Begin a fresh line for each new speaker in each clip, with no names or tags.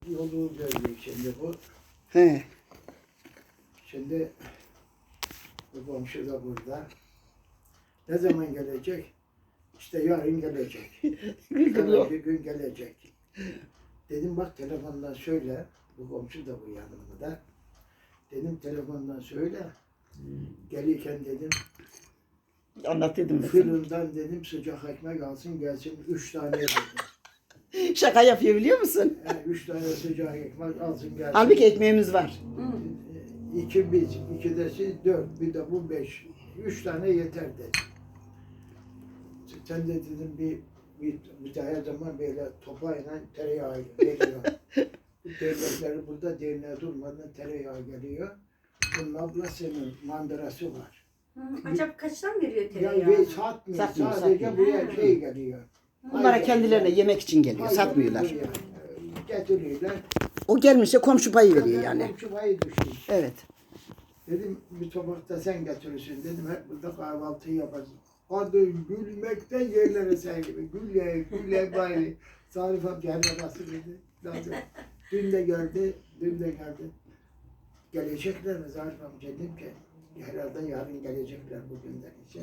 yolu gördük şimdi bu.
He.
Şimdi bu komşu da burada. Ne zaman gelecek? İşte yarın gelecek. Sonraki gün gelecek. Dedim bak telefondan söyle. Bu komşu da bu yanımda. Dedim telefondan söyle. Gelirken dedim
Anlatıyordum ben
fırından dedim sıcak ekmek alsın gelsin 3 tane dedim.
sana. Şaka yapıyor biliyor musun?
3 tane sıcak ekmek alsın gelsin.
Halbuki ekmeğimiz var.
2 biz, 2 de siz 4, bir de bu 5. 3 tane yeter dedi. Sen de dedim bir de her zaman böyle topayla tereyağı geliyor. Devletleri burada derneğe durmadan tereyağı geliyor. Bunun ablasının mandırası var.
Acaba kaçtan veriyor
Ya
tereyağı?
ve satmıyor.
Satmıyor,
Sadece
satmıyor.
buraya şey geliyor.
Bunlara kendilerine yemek için geliyor.
Aynen
Satmıyorlar.
buraya getiriyorlar.
O gelmişse komşu payı veriyor yani.
Komşu payı düştü.
Evet.
Dedim bir tabakta sen getirirsin dedim hep burada kahvaltıyı yaparız. Kadın gülmekten yerlere sergili. Gülle gülle bari. Sarif amca hemen nasıl dedi. Lazım. Dün de geldi. Gelecekler mi Zarif amca dedim ki herhalde yarın gelecekler bugünden için.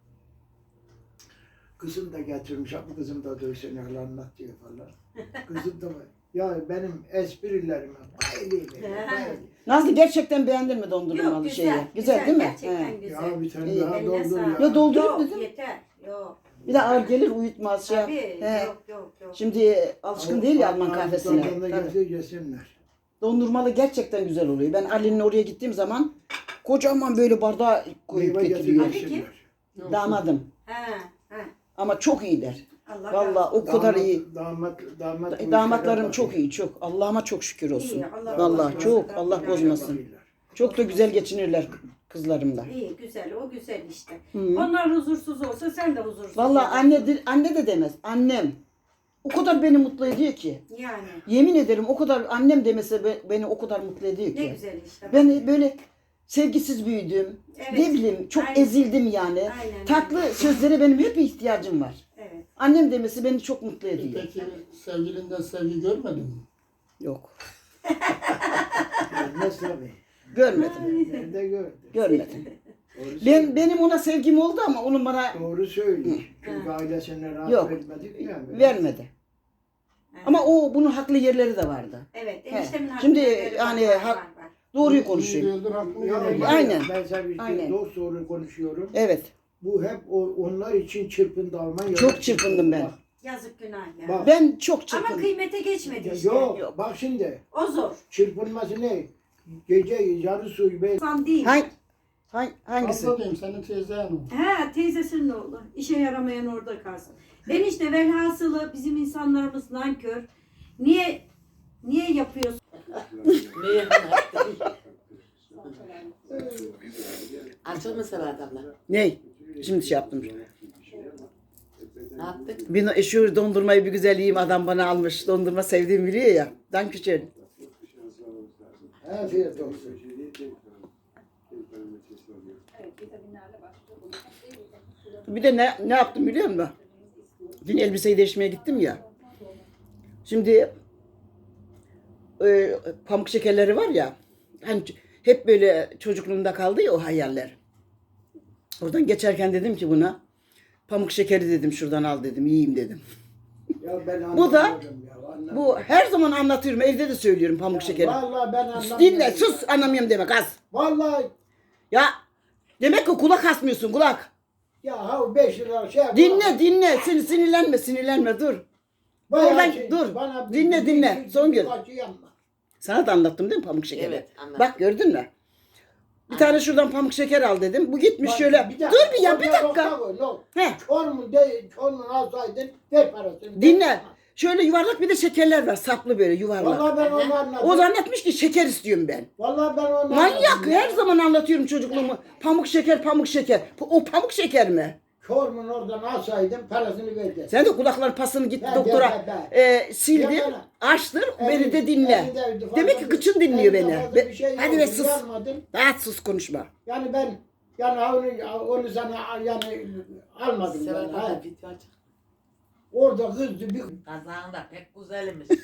Kızım da getirmiş. Bu kızım da dövsün anlat diyor falan. Kızım da var. Ya benim esprilerime bayılıyor. Bayılıyor.
Nazlı gerçekten beğendin mi dondurmalı
Yok,
şeyi?
güzel.
Güzel değil mi?
Gerçekten
He.
güzel.
Ya bir tane
İyi.
daha
Eline
doldur
sağlık.
ya.
Ya doldurup
Yok,
dedim.
yeter. Yok.
Bir de ağır gelir uyutmaz şey.
Tabii.
He.
Yok.
Şimdi alışkın değil ya Alman kahvesine.
Avrupalılarla
Tabii.
gelse yesinler.
Dondurmalı gerçekten güzel oluyor. Ben Ali'nin oraya gittiğim zaman kocaman böyle bardağa koyup
Meyve
getiriyor.
getirip
Ali
yesinler.
Damadım.
He.
Ama çok iyiler.
Allah
Vallahi o kadar iyi.
Damat
Damatlarım çok iyi, çok. Allah'ıma çok şükür olsun.
İyi, Allah
Vallahi
bozmasın.
çok, Allah bozmasın. Çok da güzel geçinirler kızlarımla.
İyi, güzel. O güzel işte.
Hı.
Onlar huzursuz olsa sen de huzursuz
Vallahi
olursun.
anne de demez. Annem. O kadar beni mutlu ediyor ki.
Yani.
Yemin ederim o kadar annem demese beni o kadar mutlu ediyor
Ne
ki.
güzel işte.
Ben böyle sevgisiz büyüdüm.
Evet.
Ne bileyim çok
Aynen.
ezildim yani.
Aynen,
Tatlı
aynen.
sözlere benim hep ihtiyacım var.
Evet.
Annem demesi beni çok mutlu ediyor.
Peki sevgilinden sevgi görmedin mi?
Yok.
Nasıl abi?
Görmedim.
Nerede gördün?
Görmedim.
Doğru söylüyor.
Benim ona sevgim oldu ama onun bana
Doğru söylüyor. Çünkü
Hı.
ailesine rahat
Yok.
vermedik ya.
vermedi.
Evet.
Ama bunun haklı yerleri de vardı.
Evet.
He.
Eniştemin
Şimdi
hakları
yani
var,
hak-
var.
Doğruyu
İyi
konuşayım.
değildir, haklı
Ya,
yemedir.
Aynen.
Ben sana bir
Aynen.
dost doğru konuşuyorum.
Evet.
Bu hep onlar için çırpındı Almanya.
Çok çırpındım ben.
Yazık günah ya.
Bak.
Ben çok
Ama
çırpındım.
kıymete geçmedi işte.
Yok,
Yok.
bak şimdi
O zor.
çırpınması ne? Gece yarı suyu be.
İnsan değil.
Hangisi?
Abla diyeyim senin teyzen o.
He, teyzesinin oğlu. İşe yaramayan orada kalsın. Enişte velhasılı bizim insanlarımız nankör. Niye yapıyorsun?
Açıl mı Serhat abla?
Ney? Şimdi şey yaptım.
Ne yaptık?
Şu dondurmayı bir güzel yiyeyim adam bana almış. Dondurma sevdiğimi biliyor ya. Dankeschön.
Afiyet olsun.
Bir de ne yaptım biliyor musun? Dün elbiseyi değişmeye gittim ya. Şimdi pamuk şekerleri var ya. Hani hep böyle çocukluğumda kaldı ya o hayaller. Oradan geçerken dedim ki buna pamuk şekeri dedim şuradan al dedim yiyeyim dedim.
Ya ben
Bu da-
anlamıyorum ya, anlamıyorum.
Bu her zaman anlatıyorum evde de söylüyorum pamuk şekeri.
Vallahi ben anlamıyorum.
Dinle sus anlamıyorum demek az.
Vallahi
Ya demek ki kulak asmıyorsun kulak.
ya ha 5 lira şey yap.
Dinle sinirlenme dur.
Bayağı
Oradan
şey,
dur.
bana
Dinle, Songül.
kaçı yapma.
Sana da anlattım değil mi pamuk şekeri?
Evet, anlattım.
Bak gördün mü? Bir tane şuradan pamuk şeker al dedim. Bu gitmiş
Bak,
şöyle.
dakika,
Dur bir ya bir
orada
dakika.
nokta koy, yok.
He,
Çormun alsaydın ver parasını.
dinle. Şöyle yuvarlak bir de şekerler var. Saplı böyle yuvarlak.
Vallahi ben onu anladım.
O zannetmiş ki şeker istiyorum ben.
Vallahi ben onu
Manyak
anladım.
her zaman anlatıyorum çocukluğumu. Pamuk şeker. O pamuk şeker mi?
Çormun oradan alsaydın parasını verdi.
Sen de kulakların pasını gitti
Ben,
doktora sildim,
Ya
açtır, beni de dinle. Demek ki kıçın dinliyor beni. Hadi be sus. Daha sus konuşma.
Yani ben onu sana yani almadım ben.
Serhat
Ha.
abla video aç.
Orada kızdı bir
Kazağın da pek güzelmiş.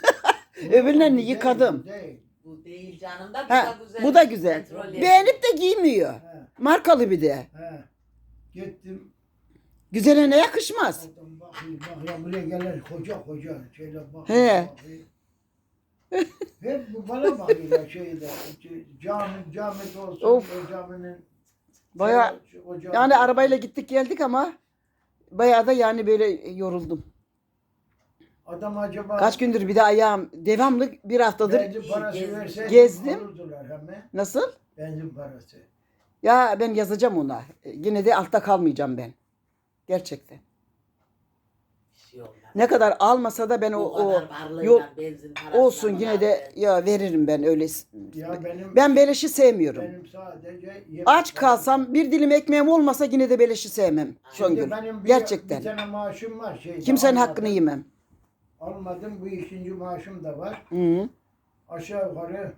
Öbürlerini yıkadım.
Değil.
Bu değil canım da bu
Ha,
da güzel.
bu da güzel.
Petrol
Beğenip de giymiyor.
He,
Markalı bir de.
he. Gittim.
Güzeline yakışmaz.
Adam bakıyor, bakıyor, buraya gelir koca şeyler bakıyor.
He.
bakıyor. Hep bu bana bakıyorlar şeyde. Cami olsun,
Of.
o caminin.
Baya
o cami-
yani arabayla gittik geldik ama bayağı da yani böyle yoruldum.
Adam acaba
Kaç gündür bir de ayağım devamlı bir haftadır.
benzin parası
gezdim.
verse
Gezdim.
alırdılar hemen.
Nasıl?
Benzin parası.
Ya ben yazacağım ona. Yine de altta kalmayacağım ben. Gerçekten.
Bir şey olmaz.
Ne kadar almasa da ben
O
o
kadar varlığıyla
yol
benzin parasına
olsun yine de ya veririm ben öyle.
Ya
Ben beleşi sevmiyorum.
benim sadece
Aç kalsam bir dilim ekmeğim olmasa yine de beleşi sevmem. Songül.
Benim bir
Gerçekten.
tane maaşım var şeyde.
Kimsenin
almadım.
hakkını yemem.
Almadım, bu ikinci maaşım da var.
Hı.
Aşağı yukarı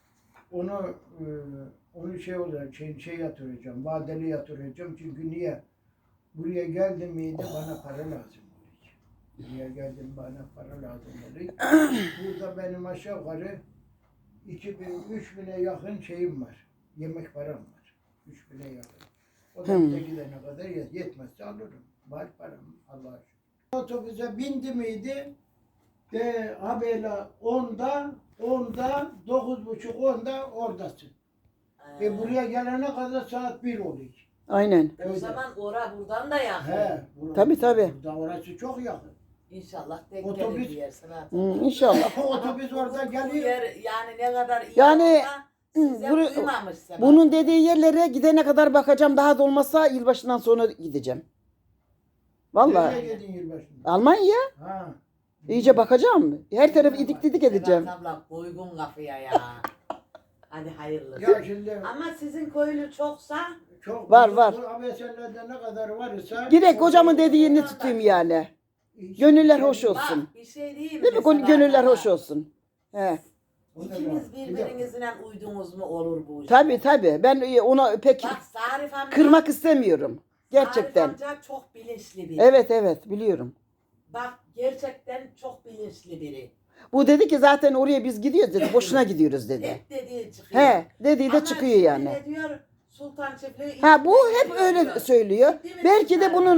onu şey olarak şey yatıracağım, vadeli yatıracağım. Çünkü niye? Buraya geldim miydi bana para lazım olacak. Buraya geldim bana para lazım olacak. Burada benim aşağı yukarı 2000-3000'e yakın şeyim var. Yemek param var. 3000'e yakın. O da bize gidene kadar yetmezse alırım. Var param Allah'a şükür. Otobüse bindi miydi? De habela 10'da 9.30-10'da oradasın. Buraya gelene kadar saat 1 oluyor.
Aynen.
O zaman ora buradan da yakın.
Tabii, tabii.
Burada orası çok yakın.
İnşallah denk
Otobüs-
gelir bir yer sana.
İnşallah.
Otobüs orada
Bu
geliyor.
yer yani ne kadar iyi
Yani,
olsa size uymamış Sebahat.
Bunun dediği yerlere gidene kadar bakacağım. Daha da olmazsa yılbaşından sonra gideceğim. Vallahi.
Nereye gidin yılbaşında?
Almanya.
Ha.
İyice bakacağım. Her tarafı idik didik edeceğim.
Sebahat abla uygun kafaya ya. Hadi hayırlısı.
Ya şimdi
Ama sizin köylü çoksa
çok
Var.
Bu ABS'lerde ne kadar varsa
Direkt hocamın dediğini tutayım yani. Gönüller hoş olsun.
bak bir şey diyeyim
Değil mi?
Sebahat
Gönüller
abla?
hoş olsun. He.
İkiniz birbirinizle uydunuz mu olur bu iş.
Tabii. Ben ona pek
Bak Sarif amca.
kırmak istemiyorum. Gerçekten.
Sarif amca çok bilinçli biri.
Evet biliyorum.
Bak gerçekten çok bilinçli biri.
Bu dedi ki zaten oraya biz gidiyoruz dedi. Boşuna gidiyoruz dedi.
Hep dediği çıkıyor.
He, dediği de
Ama
çıkıyor
şimdi
yani.
ne diyor? Sultan Çiftliği.
Ha bu hep öyle söylüyor. Belki de bunun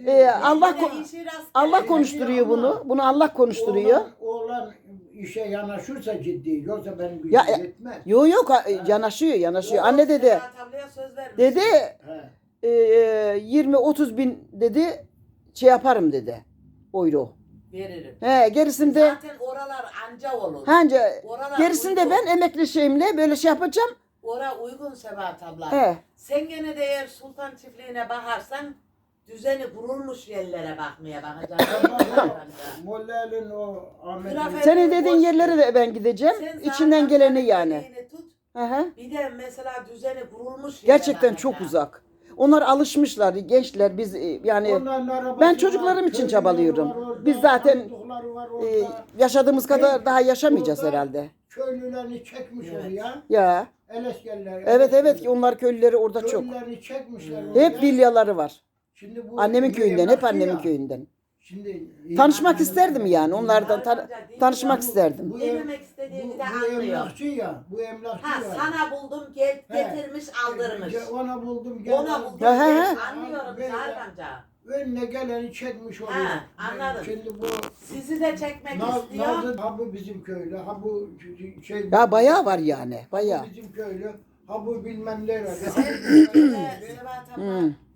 Allah konuşturuyor bunu. Bunu Allah konuşturuyor.
Oğlan işe yanaşırsa ciddi. Yoksa benim gücüm
Ya,
yetmez.
Yok yanaşıyor. Anne dedi. Dedi
He.
20-30 bin dedi şey yaparım dedi. Euro.
Veririm.
He gerisinde
Zaten oralar anca olur.
anca
Oralar
gerisinde
uygun.
ben emekli şeyimle böyle şey yapacağım.
Ora uygun Sebahat abla.
He.
Sen gene de eğer Sultan Çiftliği'ne bakarsan düzeni kurulmuş yerlere bakmaya bakacaksın.
Moller'in o Ahmet'in
Grafik-
Senin dediğin yerlere de ben gideceğim.
Sen
İçinden
zaten
geleni yani.
dediğini Tut.
Hı hı.
Bir de mesela düzeni kurulmuş yere
Gerçekten çok
bakacaksın.
uzak. Onlar alışmışlar gençler biz yani
Onların arabası
ben
var,
çocuklarım için
köyleri
çabalıyorum.
var orada,
Biz zaten
tanıdıkları var
e,
orada.
yaşadığımız kadar daha yaşamayacağız
Orada
herhalde.
Köylülerini çekmiş
Evet.
oraya.
Ya.
Eleskerler.
Evet ki onlar köylüleri orada çok.
Köylülerini çekmişler
Hep
oraya.
vilyaları var.
Şimdi bu
Annemin köyünden, hep
emlakçı
annemin
ya.
köyünden.
Şimdi
Tanışmak isterdim yani onlardan
Sarif amca,
tanışmak
bu-
isterdim.
Bu
Ne
em-
demek istediğini de
bu
anlıyor.
emlakçı ya. Bu emlakçı
Ha
ya.
sana buldum gel
He.
getirmiş aldırmış.
Ona buldum gel.
Ona buldum
He, he,
gel.
he.
Anlıyorum
Böyle
Sarif amca.
Önüne geleni çekmiş oraya.
Ha, anladım.
Şimdi bu
Sizi de çekmek istiyor.
Nazlı ha bu bizim köylü, ha bu şey.
Ya bayağı var yani. Bayağı.
Bu bizim köylü, ha bu bilmem ne.
Sen de Sebahat abla